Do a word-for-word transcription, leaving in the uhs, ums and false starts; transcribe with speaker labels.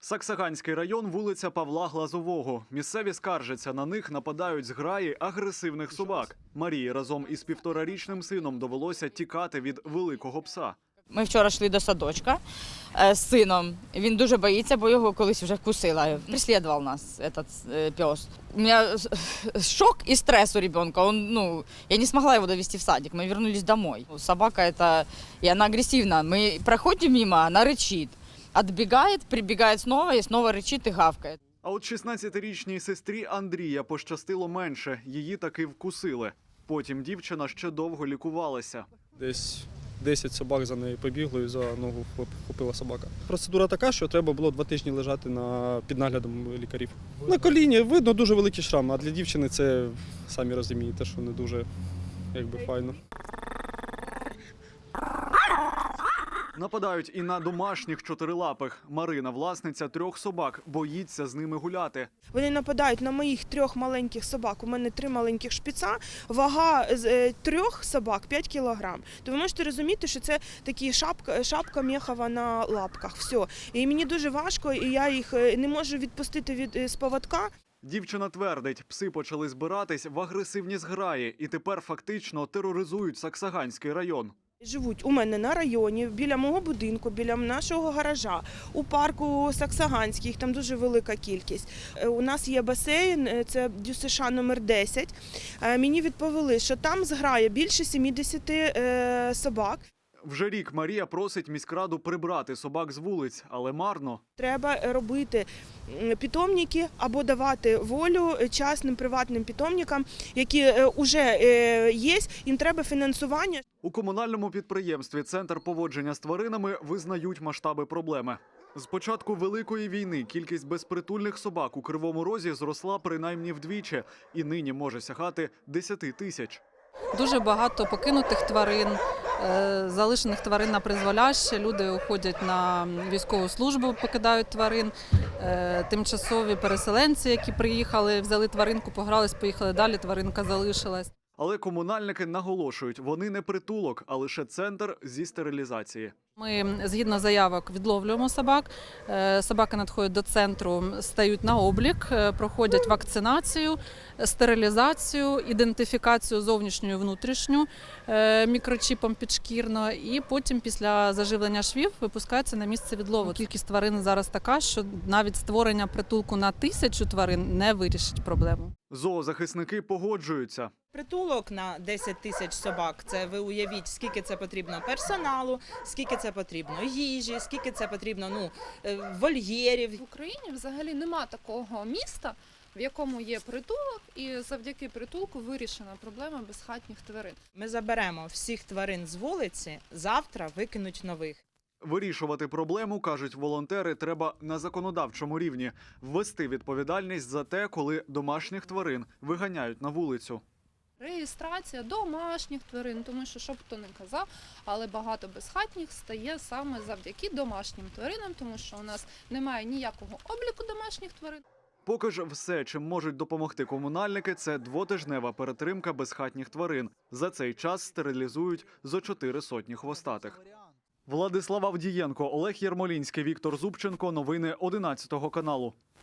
Speaker 1: Саксаганський район, вулиця Павла Глазового. Місцеві скаржаться, на них нападають зграї агресивних собак. Марії разом із півторарічним сином довелося тікати від великого пса.
Speaker 2: Ми вчора йшли до садочка з сином. Він дуже боїться, бо його колись вже вкусила. Преслідував нас цей пес. У мене шок і стрес у ребенка. Он, ну, я не змогла його довести в садик. Ми повернулись домой. Собака это, и она агрессивна. Мы проходим мимо, она рычит. Отбегает, прибегает снова и снова рычит и гавкает.
Speaker 1: А от шістнадцятирічній сестрі Андрія пощастило менше. Її таки вкусили. Потім дівчина ще довго лікувалася.
Speaker 3: Десь десять собак за нею побігло і за ногу вхопила собака. Процедура така, що треба було два тижні лежати на, під наглядом лікарів. На коліні видно дуже великий шрам, а для дівчини це, самі розумієте, що не дуже якби, файно.
Speaker 1: Нападають і на домашніх чотирилапих. Марина, власниця трьох собак, боїться з ними гуляти.
Speaker 4: Вони нападають на моїх трьох маленьких собак. У мене три маленьких шпіца, вага з трьох собак п'ять кілограм. То ви можете розуміти, що це такі шапка, шапка мехова на лапках. Все. І мені дуже важко, і я їх не можу відпустити від з поводка.
Speaker 1: Дівчина твердить, пси почали збиратись в агресивні зграї і тепер фактично тероризують Саксаганський район.
Speaker 4: Живуть у мене на районі, біля мого будинку, біля нашого гаража, у парку Саксаганський, їх там дуже велика кількість. У нас є басейн, це ДЮСШ номер десять. Мені відповіли, що там зграє більше сімдесят собак.
Speaker 1: Вже рік Марія просить міськраду прибрати собак з вулиць, але марно.
Speaker 4: Треба робити питомники або давати волю частним приватним питомникам, які вже є, їм треба фінансування.
Speaker 1: У комунальному підприємстві «Центр поводження з тваринами» визнають масштаби проблеми. З початку Великої війни кількість безпритульних собак у Кривому Розі зросла принаймні вдвічі і нині може сягати десяти тисяч.
Speaker 5: Дуже багато покинутих тварин, залишених тварин на призволяще. Люди уходять на військову службу, покидають тварин. Тимчасові переселенці, які приїхали, взяли тваринку, погрались, поїхали далі, тваринка залишилась.
Speaker 1: Але комунальники наголошують, вони не притулок, а лише центр зі стерилізації.
Speaker 5: Ми, згідно заявок, відловлюємо собак. Собаки надходять до центру, стають на облік, проходять вакцинацію, стерилізацію, ідентифікацію зовнішню і внутрішню мікрочіпом підшкірно. І потім після заживлення швів випускаються на місце відлову. Кількість тварин зараз така, що навіть створення притулку на тисячу тварин не вирішить проблему.
Speaker 1: Зоозахисники погоджуються.
Speaker 6: Притулок на десять тисяч собак, це ви уявіть, скільки це потрібно персоналу, скільки це потрібно їжі, скільки це потрібно ну, вольєрів.
Speaker 7: В Україні взагалі нема такого міста, в якому є притулок, і завдяки притулку вирішена проблема безхатніх тварин.
Speaker 6: Ми заберемо всіх тварин з вулиці, завтра викинуть нових.
Speaker 1: Вирішувати проблему, кажуть волонтери, треба на законодавчому рівні. Ввести відповідальність за те, коли домашніх тварин виганяють на вулицю.
Speaker 7: Реєстрація домашніх тварин, тому що, що б хто не казав, але багато безхатніх стає саме завдяки домашнім тваринам, тому що у нас немає ніякого обліку домашніх тварин.
Speaker 1: Поки ж все, чим можуть допомогти комунальники, це двотижнева перетримка безхатніх тварин. За цей час стерилізують зо чотири сотні хвостатих. Владислав Авдієнко, Олег Єрмолінський, Віктор Зубченко. Новини одинадцятого каналу.